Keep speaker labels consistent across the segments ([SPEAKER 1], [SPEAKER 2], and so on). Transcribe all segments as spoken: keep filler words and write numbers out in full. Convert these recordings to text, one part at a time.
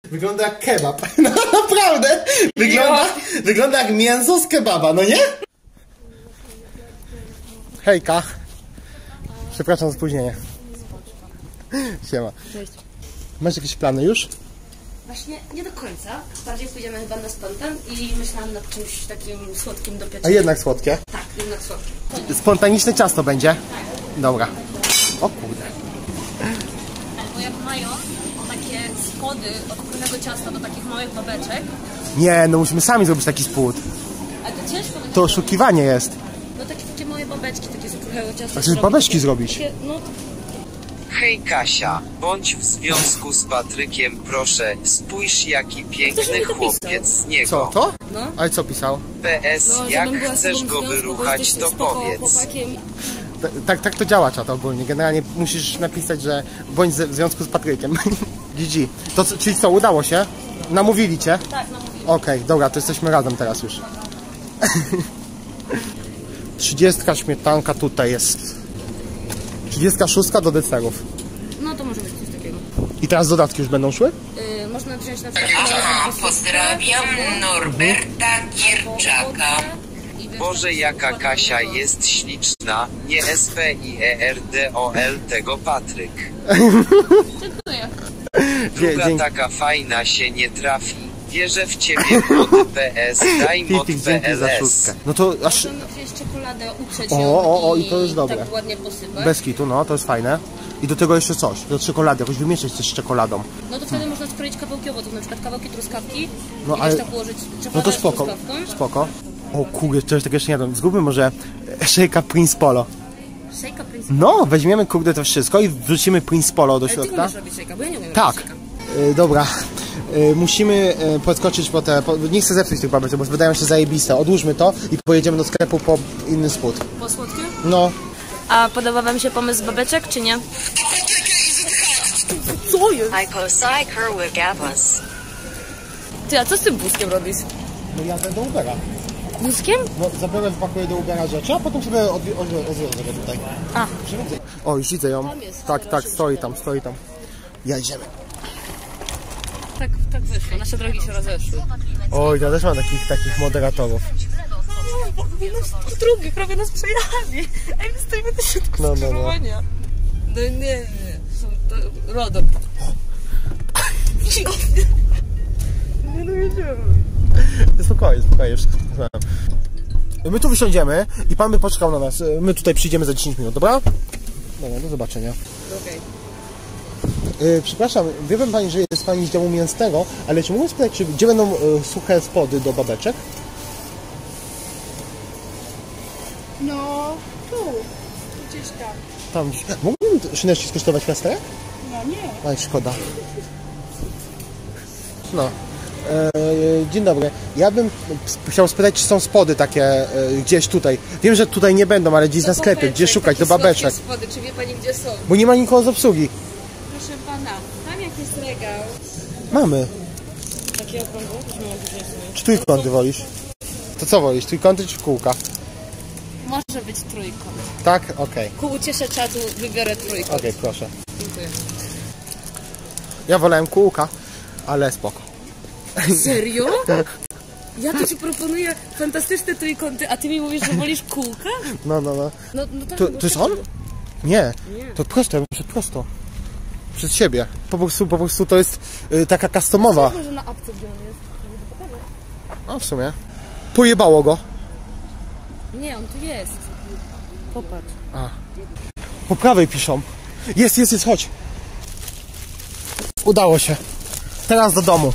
[SPEAKER 1] Wygląda jak kebab. No naprawdę. Wygląda, wygląda jak mięso z kebaba, no nie? Hejka. Przepraszam za spóźnienie. Siema.
[SPEAKER 2] Cześć.
[SPEAKER 1] Masz jakieś plany już?
[SPEAKER 2] Właśnie nie do końca. Bardziej pójdziemy chyba na spontan i myślałam nad czymś takim słodkim do pieczenia.
[SPEAKER 1] A jednak słodkie?
[SPEAKER 2] Tak, jednak słodkie.
[SPEAKER 1] Spontaniczne ciasto będzie? Dobra. O kurde.
[SPEAKER 2] Albo jak mają takie spody od górnego ciasta do takich małych babeczek.
[SPEAKER 1] Nie, no musimy sami zrobić taki spód.
[SPEAKER 2] Ale to ciężko będzie.
[SPEAKER 1] To oszukiwanie jest.
[SPEAKER 2] No takie, takie małe babeczki, takie z kruchego ciasta.
[SPEAKER 1] A chcesz babeczki zrobić?
[SPEAKER 2] Takie, no,
[SPEAKER 3] Hej Kasia, bądź w związku z Patrykiem, proszę, spójrz jaki piękny chłopiec z niego.
[SPEAKER 1] Co, to?
[SPEAKER 2] No.
[SPEAKER 1] Ale co pisał?
[SPEAKER 3] P S,
[SPEAKER 2] no,
[SPEAKER 3] jak
[SPEAKER 2] żebym była z
[SPEAKER 3] chcesz
[SPEAKER 2] tobą
[SPEAKER 3] go
[SPEAKER 2] w związku, bo
[SPEAKER 3] wyruchać,
[SPEAKER 2] jesteś
[SPEAKER 3] to
[SPEAKER 2] spoko
[SPEAKER 3] powiedz.
[SPEAKER 2] chłopakiem.
[SPEAKER 1] T tak, tak to działa czat ogólnie. Generalnie musisz napisać, że bądź w związku z Patrykiem. G G. To, co- czyli co, udało się? Namówili cię?
[SPEAKER 2] Tak, no mówię.
[SPEAKER 1] Okej, dobra, to jesteśmy razem teraz już. Trzydziestka śmietanka tutaj jest. Trzydziestka szóstka do deserów.
[SPEAKER 2] No to może być coś takiego.
[SPEAKER 1] I teraz dodatki już będą szły?
[SPEAKER 2] Yy, można wziąć na przykład...
[SPEAKER 4] Aha, pozdrawiam Norberta Gierczaka.
[SPEAKER 3] Boże jaka Kasia jest śliczna, nie S P I E R D O L tego Patryk.
[SPEAKER 2] Dziękuję.
[SPEAKER 3] Druga
[SPEAKER 1] Dzięki.
[SPEAKER 3] taka fajna się nie trafi. Wierzę w ciebie mod P S, daj mod
[SPEAKER 1] Titik, dzięki za
[SPEAKER 3] P L S.
[SPEAKER 1] szóstkę. No to aż
[SPEAKER 2] Możemy wziąć czekoladę, uprzeć
[SPEAKER 1] O,
[SPEAKER 2] ją
[SPEAKER 1] o, o, i to jest dobre.
[SPEAKER 2] tak ładnie posypać.
[SPEAKER 1] bez kitu, no to jest fajne. I do tego jeszcze coś, do czekolady, jakoś wymieszać coś z czekoladą.
[SPEAKER 2] No to wtedy można skroić kawałkiowo, to na przykład kawałki truskawki
[SPEAKER 1] No,
[SPEAKER 2] i
[SPEAKER 1] ale-
[SPEAKER 2] ale... tak ułożyć czekoladę
[SPEAKER 1] No to
[SPEAKER 2] z
[SPEAKER 1] spoko,
[SPEAKER 2] truskawką.
[SPEAKER 1] spoko. O kurde, czegoś takiego jeszcze nie jadłem. Zróbmy może Shake'a Prince Polo.
[SPEAKER 2] Shake'a Prince.
[SPEAKER 1] No, weźmiemy kurde to wszystko i wrzucimy Prince Polo do
[SPEAKER 2] Ale ty
[SPEAKER 1] środka.
[SPEAKER 2] umiesz robić shake'a, bo ja nie umiem
[SPEAKER 1] Tak.
[SPEAKER 2] robić shake'a.
[SPEAKER 1] Y, dobra. Y, musimy y, podskoczyć po te... Po, nie chcę zepsuć tych babeczek, bo wydają się zajebiste. Odłóżmy to i pojedziemy do sklepu po inny spód.
[SPEAKER 2] Po słodkie?
[SPEAKER 1] No.
[SPEAKER 2] A podoba wam się pomysł babeczek, czy nie? Co jest? Ty, a co z tym wózkiem robisz?
[SPEAKER 1] No jadę do Ubera.
[SPEAKER 2] Wózkiem?
[SPEAKER 1] No, zabiorę, wpakuję do Ubera rzeczy, a potem sobie odwi- odwi- odwiozę go tutaj.
[SPEAKER 2] A.
[SPEAKER 1] O, już widzę ją.
[SPEAKER 2] Tam jest,
[SPEAKER 1] Tak,
[SPEAKER 2] dobra,
[SPEAKER 1] tak, stoi tam, stoi tam. Jedziemy.
[SPEAKER 2] Tak, tak wyszło, nasze drogi się rozeszły.
[SPEAKER 1] Oj, ja też mam takich, takich moderatorów.
[SPEAKER 2] Po drugich prawie nas przejechali. Ej, my stoimy na środku
[SPEAKER 1] No, no, no.
[SPEAKER 2] skrzyżowania. No nie, nie, są to RODO. Nie dojedziemy.
[SPEAKER 1] Spokojnie, spokojnie, wszystko spokojnie. My tu wysiądziemy i pan by poczekał na nas. My tutaj przyjdziemy za dziesięć minut, dobra? Dobra, do zobaczenia.
[SPEAKER 2] Okej.
[SPEAKER 1] Yy, przepraszam, wie pan pani, że jest pani z działu mięsnego, ale czy mogę spytać, czy, gdzie będą y, suche spody do babeczek?
[SPEAKER 5] No, tu, gdzieś tam.
[SPEAKER 1] Tam gdzieś. Mógłbym szyneczki skosztować plasterek?
[SPEAKER 5] No nie.
[SPEAKER 1] Aj, szkoda. No. E, dzień dobry. Ja bym chciał spytać, czy są spody takie e, gdzieś tutaj. Wiem, że tutaj nie będą, ale gdzieś na sklepie. Gdzie szukać? Do babeczek.
[SPEAKER 2] Spody, czy wie pani gdzie są?
[SPEAKER 1] Bo nie ma nikogo z obsługi.
[SPEAKER 5] Proszę pana, tam jak jest regał.
[SPEAKER 1] Mamy.
[SPEAKER 2] Takie okrągłe? Już mam później sobie.
[SPEAKER 1] Czy trójkąty wolisz? To co wolisz? Trójkąty czy kółka?
[SPEAKER 2] Może być trójkąt.
[SPEAKER 1] Tak? Okej.
[SPEAKER 2] Ku uciesze czatu wybiorę trójkąt.
[SPEAKER 1] Okej, proszę.
[SPEAKER 2] Dziękuję.
[SPEAKER 1] Ja wolałem kółka, ale spoko.
[SPEAKER 2] Serio? Ja tu ci proponuję fantastyczne trójkąty, a ty mi mówisz, że wolisz kółka?
[SPEAKER 1] No, no, no.
[SPEAKER 2] No, no tak,
[SPEAKER 1] To,
[SPEAKER 2] no
[SPEAKER 1] to jest
[SPEAKER 2] tak.
[SPEAKER 1] on? Nie.
[SPEAKER 2] Nie.
[SPEAKER 1] To prosto, ja muszę prosto. Przez siebie. Po prostu, po prostu to jest y, taka customowa.
[SPEAKER 2] Może na apce gdzie on jest?
[SPEAKER 1] No w sumie. Pojebało go.
[SPEAKER 2] Nie, on tu jest. Popatrz.
[SPEAKER 1] A. Po prawej piszą. Jest, jest, jest, chodź. Udało się. Teraz do domu.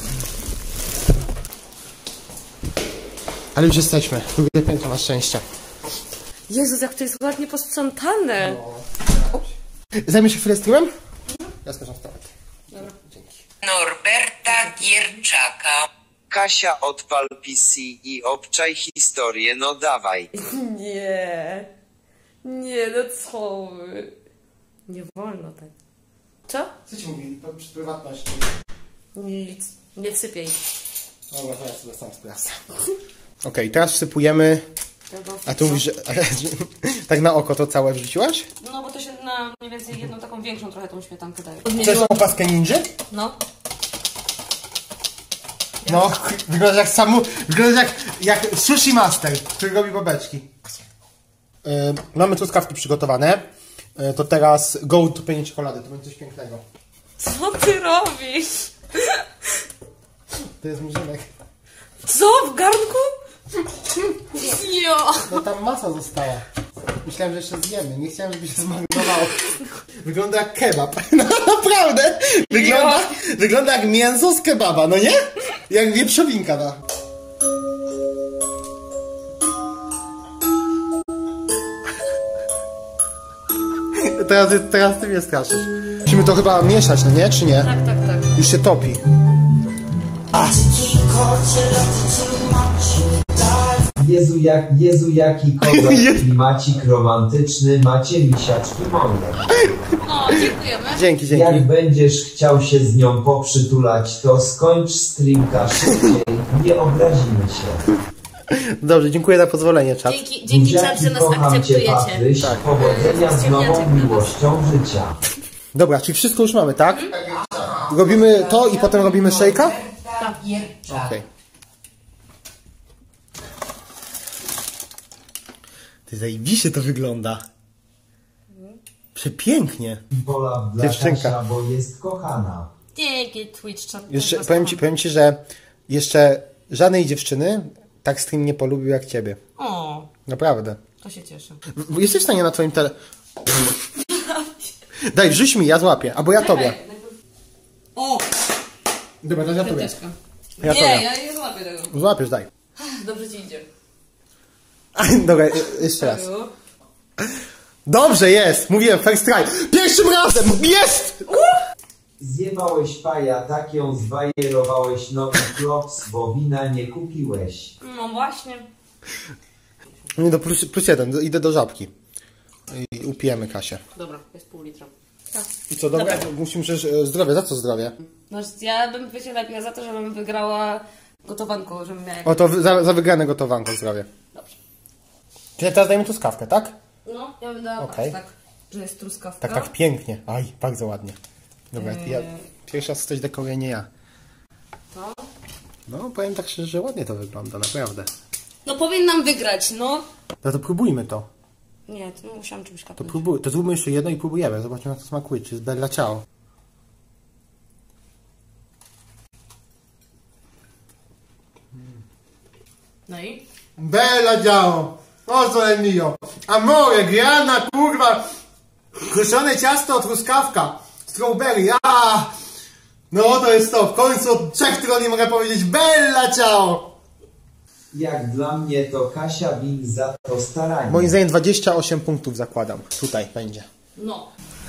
[SPEAKER 1] Ale już jesteśmy. Drugie piętro na szczęście.
[SPEAKER 2] Jezus, jak to jest ładnie posprzątane.
[SPEAKER 1] Zajmie się chwilę streamem? Ja skoczę w toalet.
[SPEAKER 2] Dobra.
[SPEAKER 1] Dzięki.
[SPEAKER 4] Norberta Gierczaka.
[SPEAKER 3] Kasia odpal P C i obczaj historię, no dawaj.
[SPEAKER 2] Nie. Nie, no co wy. Nie wolno tak. Co?
[SPEAKER 1] Co ci mówili? To przy prywatności.
[SPEAKER 2] Nic. Nie wsypiej.
[SPEAKER 1] Dobra, to ja sobie sam sprawdzę. Okej, teraz wsypujemy. A tu mówisz, że tak na oko to całe wrzuciłaś?
[SPEAKER 2] No bo to się na mniej więcej jedną taką większą trochę tą śmietankę daje.
[SPEAKER 1] To jest opaskę ninja?
[SPEAKER 2] No.
[SPEAKER 1] No, wygląda jak samu... Wygląda jak, jak sushi master, który robi babeczki. Yy, mamy truskawki przygotowane. Yy, to teraz go topienie czekolady, to będzie coś pięknego.
[SPEAKER 2] Co ty robisz?
[SPEAKER 1] To jest murzynek.
[SPEAKER 2] Co? W garnku? Jo!
[SPEAKER 1] No tam masa została. Myślałem, że jeszcze zjemy. Nie chciałem, żeby się zmarnowało. Wygląda jak kebab. No naprawdę! Wygląda, wygląda jak mięso z kebaba, no nie? Jak wieprzowinka, no. Teraz, teraz ty mnie straszysz. Musimy to chyba mieszać, no nie? Czy nie?
[SPEAKER 2] Tak, tak, tak.
[SPEAKER 1] Już się topi. A.
[SPEAKER 6] Jezu, jak, Jezu jaki kozak klimacik romantyczny, macie misiaczki moje.
[SPEAKER 2] O, dziękujemy.
[SPEAKER 1] Dzięki, dzięki.
[SPEAKER 6] Jak będziesz chciał się z nią poprzytulać, to skończ streamka szybciej, nie obrazimy się.
[SPEAKER 1] Dobrze, dziękuję za pozwolenie, czat.
[SPEAKER 2] Dzięki, dzięki czat, że nas
[SPEAKER 6] kocham cię,
[SPEAKER 2] akceptujecie.
[SPEAKER 6] Patryś,
[SPEAKER 1] Tak.
[SPEAKER 6] powodzenia z nową miłością życia.
[SPEAKER 1] Dobra, czyli wszystko już mamy, tak? Robimy to i potem robimy szejka?
[SPEAKER 4] Roberta Gierczaka.
[SPEAKER 1] Okej. Ty zajebiście to wygląda. Przepięknie.
[SPEAKER 6] Pola dla
[SPEAKER 1] Dziewczynka.
[SPEAKER 6] Kasia, bo jest kochana.
[SPEAKER 2] Dzięki Twitch chat.
[SPEAKER 1] Jeszcze, powiem ci, powiem ci, że jeszcze żadnej dziewczyny tak stream nie polubił jak ciebie.
[SPEAKER 2] O,
[SPEAKER 1] Naprawdę.
[SPEAKER 2] to się cieszę.
[SPEAKER 1] W- Jesteś w stanie na twoim tele... Daj, wrzuć mi, ja złapię. Albo ja tobie.
[SPEAKER 2] O,
[SPEAKER 1] Dobra, to ja tobie.
[SPEAKER 2] piąteczka.
[SPEAKER 1] Ja
[SPEAKER 2] Nie,
[SPEAKER 1] tobie.
[SPEAKER 2] ja nie złapię tego.
[SPEAKER 1] Złapiesz, daj.
[SPEAKER 2] Dobrze ci idzie.
[SPEAKER 1] Dobra, jeszcze raz. Dobrze, jest! Mówiłem, first try. Pierwszym razem! Jest!
[SPEAKER 6] Zjebałeś paja, tak ją zwajerowałeś nowy klops, bo wina nie kupiłeś.
[SPEAKER 2] No właśnie.
[SPEAKER 1] Nie, do plus, plus jeden, do, idę do żabki. I upijemy Kasię.
[SPEAKER 2] Dobra, jest pół litra. Tak.
[SPEAKER 1] I co, dobra? Musimy przecież e, zdrowie. Za co zdrowie?
[SPEAKER 2] No, ja bym wiecie lepiej za to, żebym wygrała gotowanko, żebym miała...
[SPEAKER 1] O, to wy- za, za wygrane gotowanko zdrowie.
[SPEAKER 2] Dobrze.
[SPEAKER 1] Czyli teraz dajemy truskawkę, tak?
[SPEAKER 2] No, ja bym dała
[SPEAKER 1] Okej.
[SPEAKER 2] tak, że jest truskawka.
[SPEAKER 1] Tak, tak, pięknie. Aj, bardzo ładnie. Dobra, ja pierwszy raz coś dekoruję, nie ja.
[SPEAKER 2] To?
[SPEAKER 1] No, powiem tak szczerze, że ładnie to wygląda, naprawdę.
[SPEAKER 2] No powinnam wygrać, no.
[SPEAKER 1] No to próbujmy to.
[SPEAKER 2] Nie, to musiałam czymś
[SPEAKER 1] To
[SPEAKER 2] kapnąć.
[SPEAKER 1] próbuj, to zróbmy jeszcze jedno i próbujemy. Zobaczmy, jak to smakuje. Czy jest bella ciao.
[SPEAKER 2] No i?
[SPEAKER 1] Bella ciao! O sole mio! Amore, grana, kurwa! Kruszone ciasto, truskawka! Strawberry, a! No to jest to. W końcu od trzech tygodni mogę powiedzieć bella ciao!
[SPEAKER 6] Jak dla mnie to Kasia win za to staranie.
[SPEAKER 1] Moim zdaniem dwadzieścia osiem punktów zakładam. Tutaj będzie.
[SPEAKER 2] No.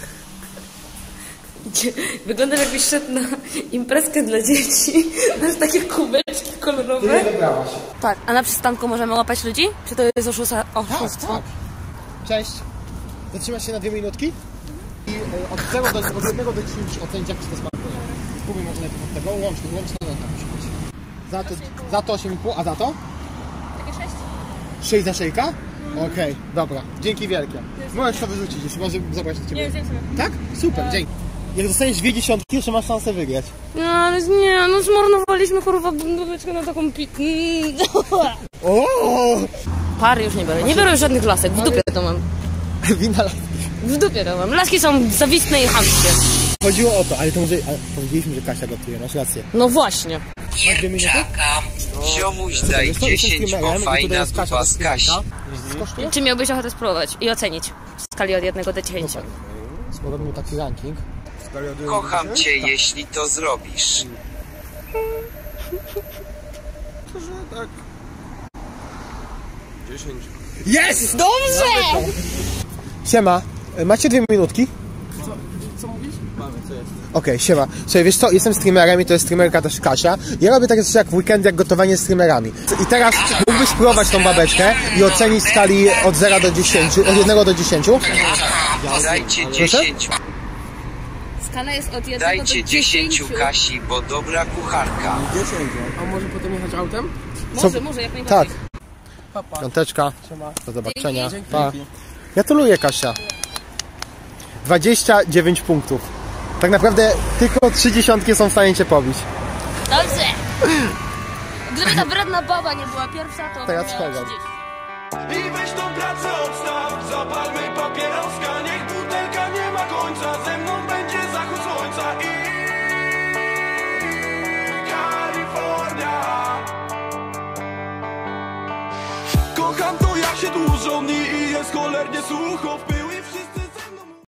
[SPEAKER 2] Wyglądasz jakbyś szedł na imprezkę dla dzieci. Masz takie kubeczki kolorowe.
[SPEAKER 1] wybrałaś.
[SPEAKER 2] Tak, a na przystanku możemy łapać ludzi? Czy to jest oszusa- oszustwo?
[SPEAKER 1] Tak. Cześć. Zatrzymasz się na dwie minutki i e, od zera do, od jednego do dziesięciu ocenić, jak ci to smakuje. Spróbuj może najpierw od tego. Łączny, łączny nota musi być. Za to, za to osiem i pół, a za to?
[SPEAKER 5] Takie sześć.
[SPEAKER 1] sześć za szejka? Okej, dobra. Dzięki wielkie. Możesz to wyrzucić, jeśli może zabrać do ciebie.
[SPEAKER 5] Nie, zjem sobie.
[SPEAKER 1] Tak? Super, dzięki. Jak dostaniesz dwie dziesiątki, jeszcze masz szansę wygrać.
[SPEAKER 2] No ale nie, no zmarnowaliśmy kurwa bundóweczkę na taką pi...
[SPEAKER 1] O!
[SPEAKER 2] Pary już nie biorę, nie biorę już żadnych lasek, w dupie to mam.
[SPEAKER 1] Wina.
[SPEAKER 2] W dupie to mam. Laski są zawistne i chamskie.
[SPEAKER 1] Chodziło o to, ale to może... Ale powiedzieliśmy, że Kasia gotuje, masz rację.
[SPEAKER 2] No właśnie.
[SPEAKER 4] Gierczaka.
[SPEAKER 3] Ziomuś daj dziesięć, bo fajna dupa z Kasi.
[SPEAKER 1] Skosztuje?
[SPEAKER 2] Czy miałbyś ochotę spróbować i ocenić w skali od jednego do dziesięciu?
[SPEAKER 1] Zrobimy taki ranking.
[SPEAKER 3] Kocham cię, jeśli to zrobisz.
[SPEAKER 1] Jest!
[SPEAKER 2] Dobrze!
[SPEAKER 1] Siema, e, macie dwie minutki? Co, co mówisz? Mamy, co jest? Okej, siema. Słuchaj, wiesz co, jestem streamerem i to jest streamerka też Kasia. Ja robię takie coś jak w weekend, jak gotowanie z streamerami. I teraz mógłbyś spróbować tą babeczkę i ocenić w skali od zera do dziesięciu, od jednego do dziesięciu?
[SPEAKER 3] Dajcie dziesięć,
[SPEAKER 2] Skala jest od jednego do
[SPEAKER 3] dajcie dziesięć
[SPEAKER 2] dziesięciu.
[SPEAKER 3] Kasi, bo dobra kucharka.
[SPEAKER 7] A może potem jechać autem?
[SPEAKER 2] Może,
[SPEAKER 1] Co?
[SPEAKER 2] może, jak najbardziej.
[SPEAKER 1] Tak. Piąteczka. Do zobaczenia. Pa. Gratuluję, Kasia. dwadzieścia dziewięć punktów. Tak naprawdę tylko trzy dziesiątki są w stanie cię pobić.
[SPEAKER 2] Dobrze! Gdyby ta wredna baba nie była pierwsza, to...
[SPEAKER 1] Teraz chodzą.
[SPEAKER 8] I weź tą pracę odstaw, zapalmy papieroska, niech butelka nie ma końca, ze mną będzie zachód słońca i Kalifornia. Kocham to jak się dłużą dni i jest cholernie sucho w pył.